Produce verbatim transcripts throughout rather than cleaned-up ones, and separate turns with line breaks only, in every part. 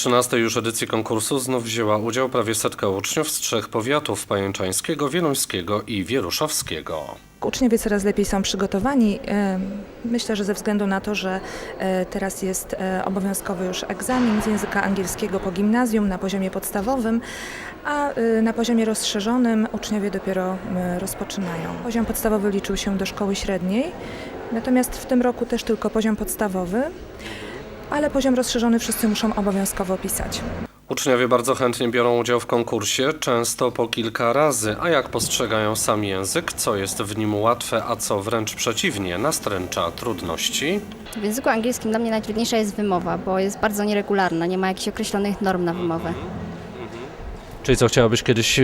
trzynastej już edycji konkursu znów wzięła udział prawie setka uczniów z trzech powiatów: pajęczańskiego, wieluńskiego i wieruszowskiego.
Uczniowie coraz lepiej są przygotowani. Myślę, że ze względu na to, że teraz jest obowiązkowy już egzamin z języka angielskiego po gimnazjum na poziomie podstawowym, a na poziomie rozszerzonym uczniowie dopiero rozpoczynają. Poziom podstawowy liczył się do szkoły średniej, natomiast w tym roku też tylko poziom podstawowy, ale poziom rozszerzony wszyscy muszą obowiązkowo pisać.
Uczniowie bardzo chętnie biorą udział w konkursie, często po kilka razy, a jak postrzegają sam język, co jest w nim łatwe, a co wręcz przeciwnie, nastręcza trudności?
W języku angielskim dla mnie najtrudniejsza jest wymowa, bo jest bardzo nieregularna, nie ma jakichś określonych norm na wymowę.
Czyli co, chciałabyś kiedyś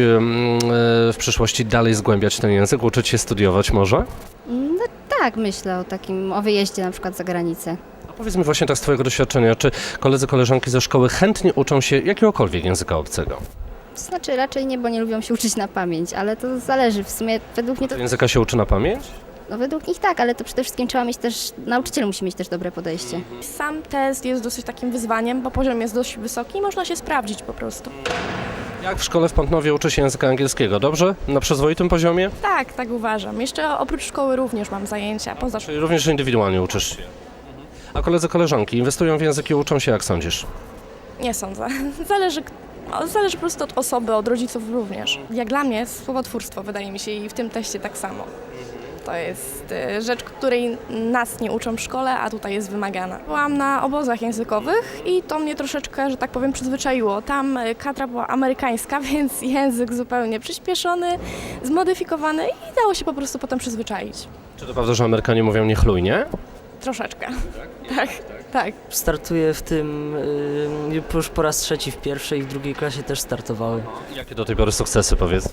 w przyszłości dalej zgłębiać ten język, uczyć się studiować może?
No tak, myślę o takim, o wyjeździe na przykład za granicę.
A powiedz mi właśnie tak z Twojego doświadczenia, czy koledzy, koleżanki ze szkoły chętnie uczą się jakiegokolwiek języka obcego?
To znaczy raczej nie, bo nie lubią się uczyć na pamięć, ale to zależy. W sumie według mnie to...
Języka się uczy na pamięć?
No według nich tak, ale to przede wszystkim trzeba mieć też, nauczyciel musi mieć też dobre podejście.
Sam test jest dosyć takim wyzwaniem, bo poziom jest dość wysoki i można się sprawdzić po prostu.
Jak w szkole w Pątnowie uczy się języka angielskiego? Dobrze? Na przyzwoitym poziomie?
Tak, tak uważam. Jeszcze oprócz szkoły również mam zajęcia poza szkołą.
Czyli również indywidualnie uczysz się? A koledzy, koleżanki inwestują w języki, uczą się, jak sądzisz?
Nie sądzę. Zależy, no, zależy po prostu od osoby, od rodziców również. Jak dla mnie słowotwórstwo wydaje mi się i w tym teście tak samo. To jest y, rzecz, której nas nie uczą w szkole, a tutaj jest wymagana. Byłam na obozach językowych i to mnie troszeczkę, że tak powiem, przyzwyczaiło. Tam y, kadra była amerykańska, więc język zupełnie przyspieszony, zmodyfikowany i dało się po prostu potem przyzwyczaić.
Czy to prawda, że Amerykanie mówią niechlujnie?
Troszeczkę. Tak, tak.
Startuję w tym y, już po raz trzeci w pierwszej i w drugiej klasie też startowały.
Jakie do tej pory sukcesy, powiedz?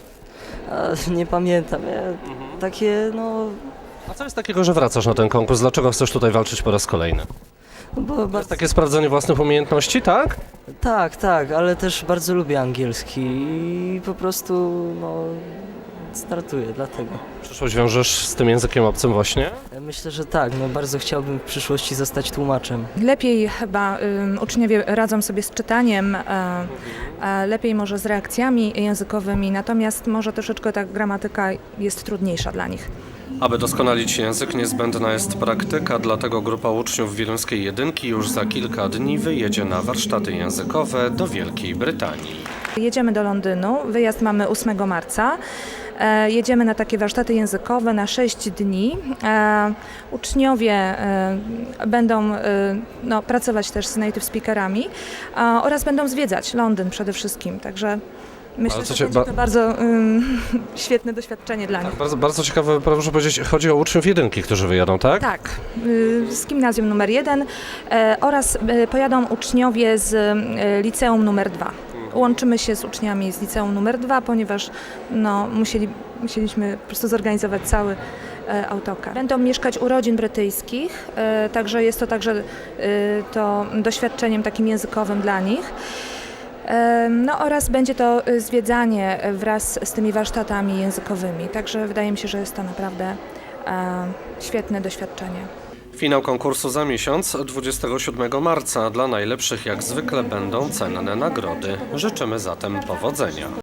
A, nie pamiętam, ja, takie no...
A co jest takiego, że wracasz na ten konkurs? Dlaczego chcesz tutaj walczyć po raz kolejny?
no bo
To jest
bardzo,
takie sprawdzenie własnych umiejętności, tak?
tak, tak, ale też bardzo lubię angielski i po prostu no, startuję dlatego.
Przyszłość wiążesz z tym językiem obcym właśnie?
Myślę, że tak, no bardzo chciałbym w przyszłości zostać tłumaczem.
Lepiej chyba ym, uczniowie radzą sobie z czytaniem, e, e, lepiej może z reakcjami językowymi, natomiast może troszeczkę ta gramatyka jest trudniejsza dla nich.
Aby doskonalić język, niezbędna jest praktyka, dlatego grupa uczniów Wieluńskiej Jedynki już za kilka dni wyjedzie na warsztaty językowe do Wielkiej Brytanii.
Jedziemy do Londynu, wyjazd mamy ósmego marca. E, jedziemy na takie warsztaty językowe na sześć dni. E, uczniowie e, będą e, no, pracować też z native speakerami e, oraz będą zwiedzać Londyn przede wszystkim, także myślę,
Ale co
że
cię
będzie
ba-
to bardzo ym, świetne doświadczenie dla nich.
Bardzo, bardzo ciekawe, proszę powiedzieć, chodzi o uczniów jedynki, którzy wyjadą, tak?
Tak, y, z gimnazjum numer jeden e, oraz e, pojadą uczniowie z e, liceum numer dwa. Łączymy się z uczniami z liceum numer dwa, ponieważ no, musieli, musieliśmy po prostu zorganizować cały e, autokar. Będą mieszkać u rodzin brytyjskich, e, także jest to także e, to doświadczeniem takim językowym dla nich. E, No oraz będzie to zwiedzanie wraz z tymi warsztatami językowymi, także wydaje mi się, że jest to naprawdę e, świetne doświadczenie.
Finał konkursu za miesiąc, dwudziestego siódmego marca. Dla najlepszych jak zwykle będą cenne nagrody. Życzymy zatem powodzenia.